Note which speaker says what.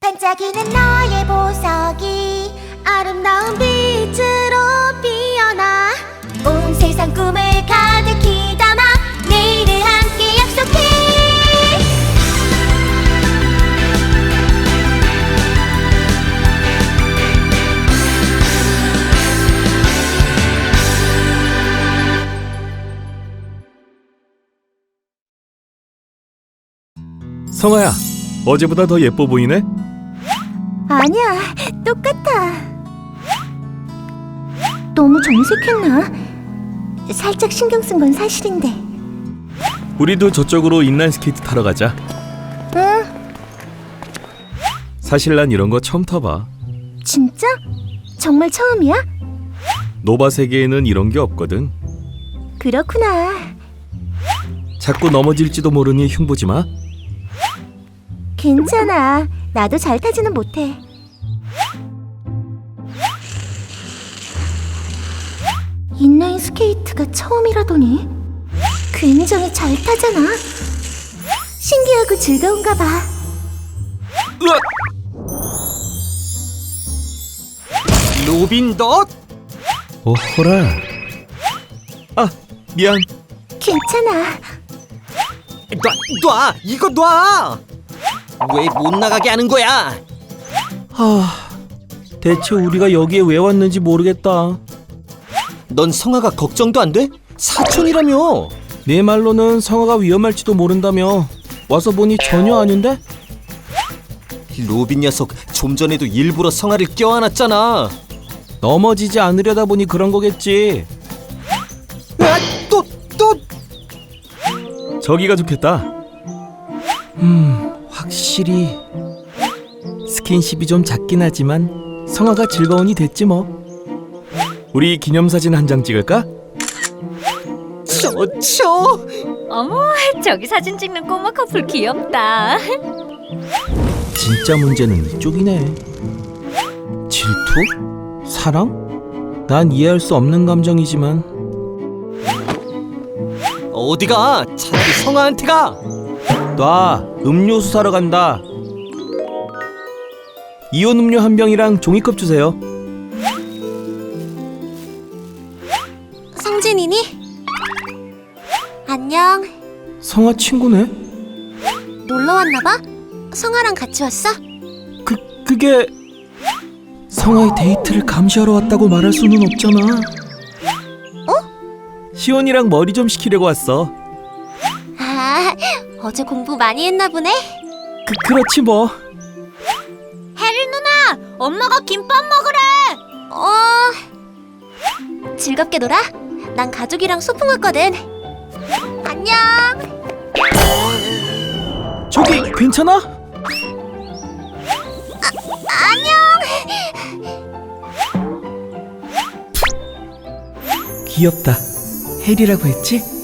Speaker 1: 반짝이는 너의 보석이 아름다운 빛으로 피어나 온 세상 꿈을 가득히 담아 내일을 함께 약속해.
Speaker 2: 성아야, 어제보다 더 예뻐 보이네?
Speaker 1: 아니야, 똑같아. 너무 정색했나? 살짝 신경 쓴 건 사실인데.
Speaker 2: 우리도 저쪽으로 인라인 스케이트 타러 가자.
Speaker 1: 응,
Speaker 2: 사실 난 이런 거 처음 타봐.
Speaker 1: 진짜? 정말 처음이야?
Speaker 2: 노바 세계에는 이런 게 없거든.
Speaker 1: 그렇구나.
Speaker 2: 자꾸 넘어질지도 모르니 흉보지 마.
Speaker 1: 괜찮아. 나도 잘 타지는 못해. 인라인 스케이트가 처음이라더니 굉장히 잘 타잖아. 신기하고 즐거운가 봐.
Speaker 2: 으악!
Speaker 3: 로빈 너?
Speaker 2: 오호라. 아, 미안.
Speaker 1: 괜찮아.
Speaker 3: 놔! 이거 놔! 왜 못 나가게 하는 거야?
Speaker 2: 대체 우리가 여기에 왜 왔는지 모르겠다.
Speaker 3: 넌 성아가 걱정도 안 돼? 사촌이라며.
Speaker 2: 네 말로는 성아가 위험할지도 모른다며. 와서 보니 전혀 아닌데?
Speaker 3: 로빈 녀석 좀 전에도 일부러 성아를 껴안았잖아.
Speaker 2: 넘어지지 않으려다 보니 그런 거겠지.
Speaker 3: 아, 또!
Speaker 2: 저기가 좋겠다. 확실히 스킨십이 좀 작긴 하지만 성아가 즐거우니 됐지 뭐. 우리 기념사진 한 장 찍을까?
Speaker 3: 저!
Speaker 4: 어머, 저기 사진 찍는 꼬마 커플 귀엽다.
Speaker 2: 진짜 문제는 이쪽이네. 질투? 사랑? 난 이해할 수 없는 감정이지만
Speaker 3: 어디가? 차라리 성아한테 가!
Speaker 2: 놔, 음료수 사러 간다. 이온 음료 한 병이랑 종이컵 주세요.
Speaker 1: 성진이니? 안녕.
Speaker 2: 성아 친구네?
Speaker 1: 놀러 왔나 봐? 성아랑 같이 왔어?
Speaker 2: 그게 성아의 데이트를 감시하러 왔다고 말할 수는 없잖아. 시온이랑 머리 좀 식히려고 왔어.
Speaker 1: 아, 어제 공부 많이 했나 보네.
Speaker 2: 그렇지 뭐.
Speaker 1: 혜리 누나, 엄마가 김밥 먹으래. 즐겁게 놀아. 난 가족이랑 소풍 왔거든. 안녕.
Speaker 2: 저기 괜찮아?
Speaker 1: 안녕.
Speaker 2: 귀엽다. 혜리라고 했지?